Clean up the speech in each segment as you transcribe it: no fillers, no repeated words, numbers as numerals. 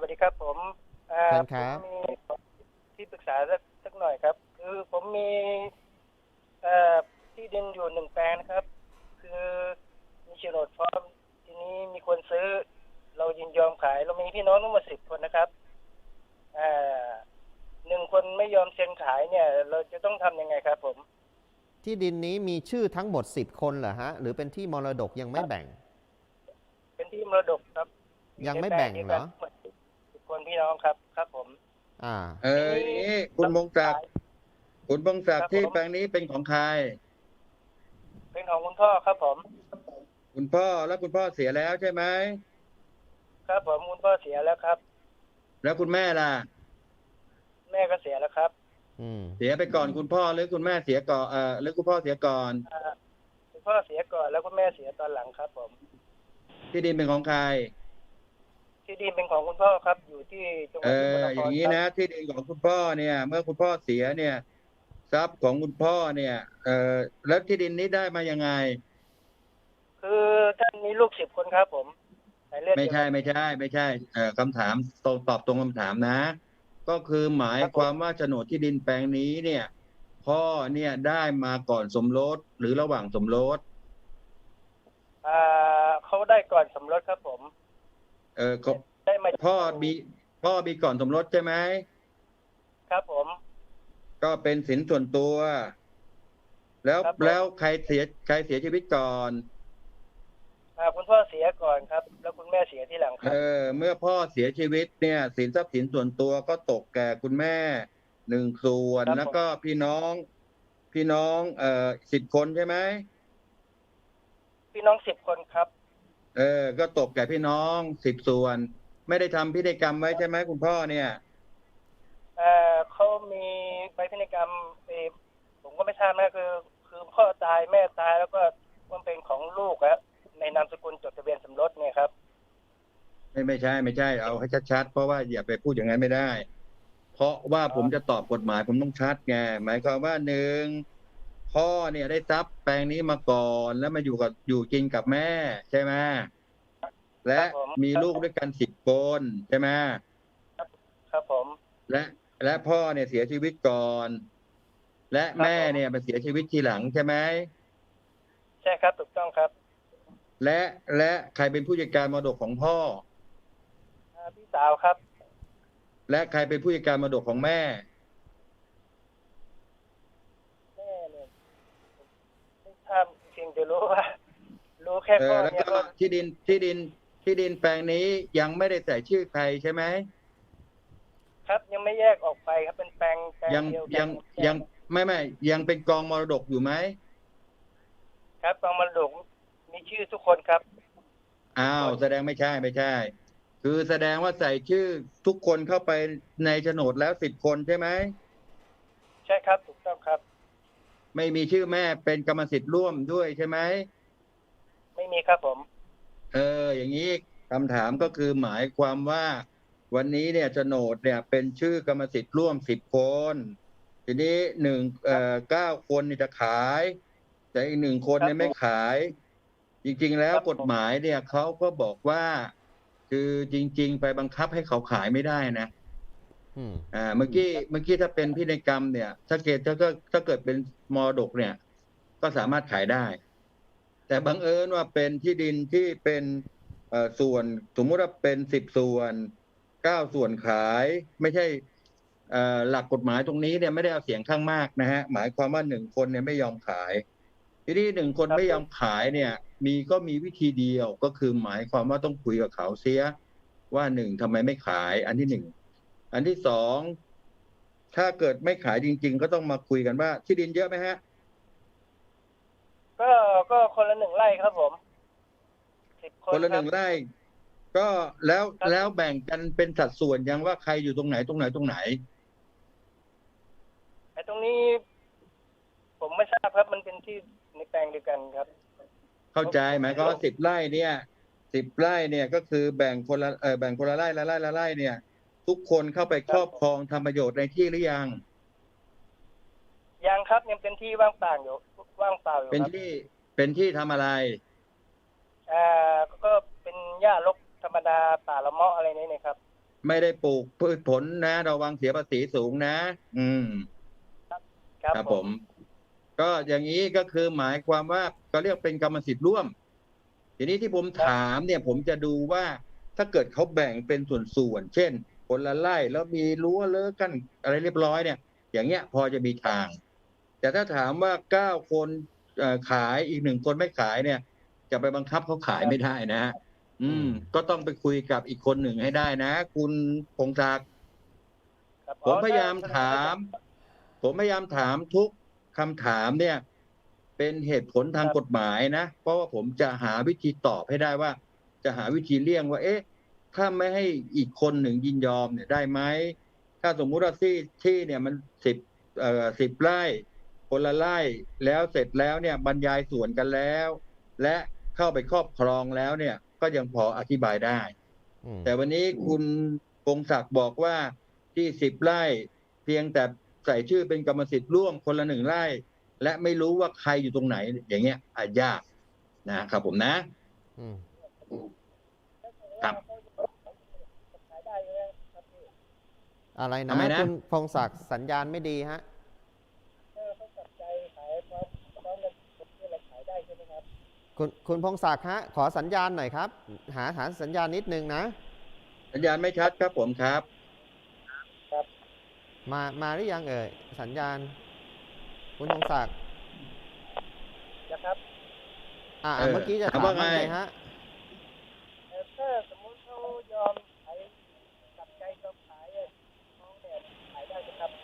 วัสดีครับผมผมเชิญครับมีที่ปรึกษาสักหน่อยครับคือผมมีเอ่อที่ดินอยู่1 แปลงนะครับคือมีโฉนดพร้อมทีนี้มีคนซื้อเรายินยอมขายเรามีพี่น้องทั้งหมด10 คนนะครับเอ่อ1 คนไม่ยอมเซ็นขายเนี่ยเราจะต้องทำยังไงครับผมที่ดินนี้มีชื่อทั้งหมด10 คนเหรอฮะหรือเป็นที่มรดกยังไม่แบ่งเป็นที่มรดกครับอยู่ยังไม่ในแปลงแบ่งเหรอเดียวกันทั้งหมด10 คนพี่น้องครับครับผมอ่าทีนี้อย่างนี้คุเราณพงศักขายดิ์คุณพงศักดิ์ที่ครับผมแปลงนี้เป็นของใครเป็นของคุณพ่อครับผมคุณพ่อแล้วคุณพ่อเสียแล้วใช่ไหมครับผมคุณพ่อเสียแล้วครับแล้วคุณแม่ล่ะแม่ก็เสียแล้วครับอืมเสียไปก่อนคุณพ่อหรือคุณแม่เสียก่อนหรือคุณพ่อเสียก่อนอ่าคุณพ่อเสียก่อนแล้วคุณแม่เสียตอนหลังครับผมที่ดินเป็นของใครที่ดินเป็นของคุณพ่อครับอยู่ที่จังหวัดสกลนอย่างนี้ครครับนะที่ดินของคุณพ่อเนี่ยเมื่อคุณพ่อเสียเนี่ยทรัพย์ของคุณพ่อเนี่ยแล้วที่ดินนี้ได้มายังไงคือท่านมีลูก10 คนครับผมสายเลือดไม่เดียวกันใช่ไม่ใช่ไม่ใช่คำถามตอบตรงคำถามนะก็คือหมายครับผมความว่าโฉนดที่ดินแปลงนี้เนี่ยพ่อเนี่ยได้มาก่อนสมรสหรือระหว่างสมรสเขาได้ก่อนสมรสครับผมก็ได้มาพ่อมีพ่อมีก่อนสมรสใช่ไหมครับผมก็เป็นสินส่วนตัวแล้วครับผมแล้วใครเสียชีวิตก่อนคุณพ่อเสียก่อนครับแล้วคุณแม่เสียทีหลังครับเมื่อพ่อเสียชีวิตเนี่ยสินทรัพย์สินส่วนตัวก็ตกแก่คุณแม่1 ส่วนครับผมแล้วก็พี่น้อง10 คนใช่ไหมพี่น้อง10 คนครับก็ตกแก่พี่น้อง10 ส่วนไม่ได้ทำพิธีกรรมไว้ใช่ไหมคุณพ่อเนี่ยเขามีใบพินัยกรรมผมก็ไม่ทราบนะคือพ่อตายแม่ตายแล้วก็มันเป็นของลูกอะในนามสกุลจดทะเบียนสมรสเนี่ยครับไม่ใช่เอาให้ชัดๆเพราะว่าอย่าไปพูดอย่างนั้นไม่ได้ เพราะว่าอ๋อผมจะตอบกฎหมายผมต้องชัดไงหมายความว่าพ่อเนี่ยได้ทรัพย์แปลงนี้มาก่อนแล้วมาอยู่กินกับแม่ใช่ไหมคและรับผมมีลูกด้วยกัน10 คนใช่ไหมครับผมและและพ่อเนี่ยเสียชีวิตก่อนและครับแม่ผมเนี่ยมาเสียชีวิตทีหลังใช่ไหมใช่ครับถูกต้องครับและและใครเป็นผู้จัดการมรดกของพ่อพี่สาวครับและใครเป็นผู้จัดการมรดกของแม่แม่เนี่ยไม่ทราบเพียงแต่รู้ว่ารู้แค่พ่อแล้วก็เนี่ยก็ที่ดินแปลงนี้ยังไม่ได้ใส่ชื่อใครใช่ไหมครับยังไม่แยกออกไปครับเป็นแปลงยังเดียวกัยันงยังไม่ยังเป็นกองมรดกอยู่ไหมครับกองมรดกมีชื่อทุกคนครับทุกอ้าคนวแสดงไม่ใช่คือแสดงว่าใส่ชื่อทุกคนเข้าไปในโฉนดแล้ว10 คนใช่ไหมใช่ครับถูกต้องครับไม่มีชื่อแม่เป็นกรรมสิทธิ์ร่วมด้วยใช่ไหมไม่มีครับผมอย่างนี้คำถามก็คือหมายความว่าวันนี้เนี่ยโฉนดเนี่ยเป็นชื่อกรรมสิทธิ์ร่วม10 คนทีนี้9 คนนี่จะขายแต่อีก1 คนครับเนี่ยไม่ผมขาย จริงๆแล้วครับผมกฎหมายเนี่ยเขาก็บอกว่าคือจริงๆไปบังคับให้เขาขายไม่ได้นะอืมเมื่อกี้ถ้าเป็นพินัยกรรมเนี่ยถ้าเกิดเป็นมรดกเนี่ยก็สามารถขายได้แต่บังเอิญว่าเป็นที่ดินที่เป็นส่วนสมมุติว่าเป็น10 ส่วน9 ส่วนขายไม่ใช่หลักกฎหมายตรงนี้เนี่ยไม่ได้เอาเสียงข้างมากนะฮะหมายความว่า1 คนเนี่ยไม่ยอมขาย ทีนี้1 คนครับผมไม่ยอมขายเนี่ยมีวิธีเดียวก็คือหมายความว่าต้องคุยกับเขาเสียว่าทำไมไม่ขายอันที่1อันที่2ถ้าเกิดไม่ขายจริงๆก็ต้องมาคุยกันว่าที่ดินเยอะไหมฮะก็ก็คนละ1 ไร่ครับผม10 คคนละหนครับนึ่งไร่ก็แล้วครับแล้วแบ่งกันเป็นสัดส่วนยังว่าใครอยู่ตรงไหนไอ้ตรงนี้ผมไม่ทราบครับมันเป็นที่ในแปลงเดียวกันครับเข้าใจผมไหมก็10 ไร่เนี่ย10 ไร่เนี่ยก็คือแบ่งคนละไร่ละไร่เนี่ยทุกคนเข้าไปครอบครองทำประโยชน์ในที่หรือยังยังครับยังเป็นที่ว่างเปล่าอยู่เป็นครับที่ทำอะไรก็เป็นหญ้ารกธรรมดาป่าละเมาะอะไรนี่นะครับไม่ได้ปลูกพืชผลนะระวังเสียภาษีสูงนะ อืมครับผมก็อย่างนี้ก็คือหมายความว่าก็เรียกเป็นกรรมสิทธิ์ร่วม ทีนี้ที่ผมถามเนี่ย ผมจะดูว่าถ้าเกิดเขาแบ่งเป็นส่วนๆเช่นคนละไร่แล้วมีรั้วเลิกกันอะไรเรียบร้อยเนี่ย อย่างเงี้ยพอจะมีทาง แต่ถ้าถามว่า9 คนขายอีก1 คนไม่ขายเนี่ย จะไปบังคับเขาขายไม่ได้นะฮะก็ต้องไปคุยกับอีกคนหนึ่งให้ได้นะ คุณพงศักดิ์ครับผมพยายามถามทุกคำถามเนี่ย เป็นเหตุผลทางกฎหมายนะ เพราะว่าผมจะหาวิธีตอบให้ได้ว่า จะหาวิธีเลี่ยงว่า เอ๊ะ ถ้าไม่ให้อีกคนหนึ่งยินยอมเนี่ยได้ไหม ถ้าสมมุติว่าที่เนี่ยมัน10 ไร่คนละไร่แล้วเสร็จแล้วเนี่ยบรรยายส่วนกันแล้ว และเข้าไปครอบครองแล้วเนี่ย ก็ยังพออธิบายได้ แต่วันนี้คุณพงศักดิ์บอกว่าที่10 ไร่เพียงแต่ใส่ชื่อเป็นกรรมสิทธิ์ร่วมคนละ1 ไร่ และไม่รู้ว่าใครอยู่ตรงไหน อย่างเงี้ยอาจยากนะครับผมนะ ครับอะไรนะทำไมนะคุณพงศักดิ์สัญญาณไม่ดีฮะเขาตัดใจขายพร้อมเงินสดที่เราขายได้ใช่ไหมครับคุณพงศักดิ์ฮะขอสัญญาณหน่อยครับ หาสัญญาณนิดนึงนะสัญญาณไม่ชัดครับผมครับมาหรือยังเอ่ยสัญญาณ คุณพงศักดิ์นะครับเมื่อกี้จะถามถามว่าว่าไงไงฮะถ้าสมมุติเขายอมขายตัดใจยอมขายน้องเนี่ยขายได้ไหมครับ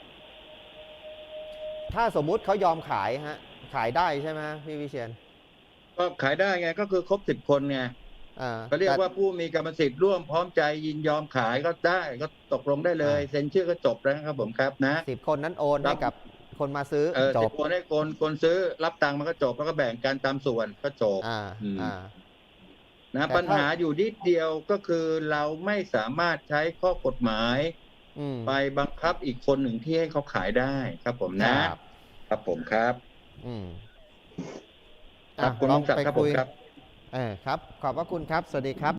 ถ้าสมมุติเขายอมขายฮะ ขายได้ใช่ไหมพี่วิเชียรก็ขายได้ไงก็คือครบ10 คนไงเขาเรียกว่าผู้มีกรรมสิทธิ์ร่วมพร้อมใจยินยอมขายก็ได้ก็ตกลงได้เลยเซ็นชื่อก็จบแล้วครับผมครับนะ 10 คนนั้นโอนให้กับคนมาซื้อจ 10 บคนให้คนซื้อรับตังค์มันก็จบแล้วก็แบ่งกันตามส่วนก็จบ นะแต่ปัญหาอยู่นิดเดียวก็คือเราไม่สามารถใช้ข้อกฎหมายไปบังคับอีกคนหนึ่งที่ให้เขาขายได้ครับผมนะ ครับผมครับครับคุณพงศักดิ์ครับผมครับครับ ขอบพระคุณครับ สวัสดีครับ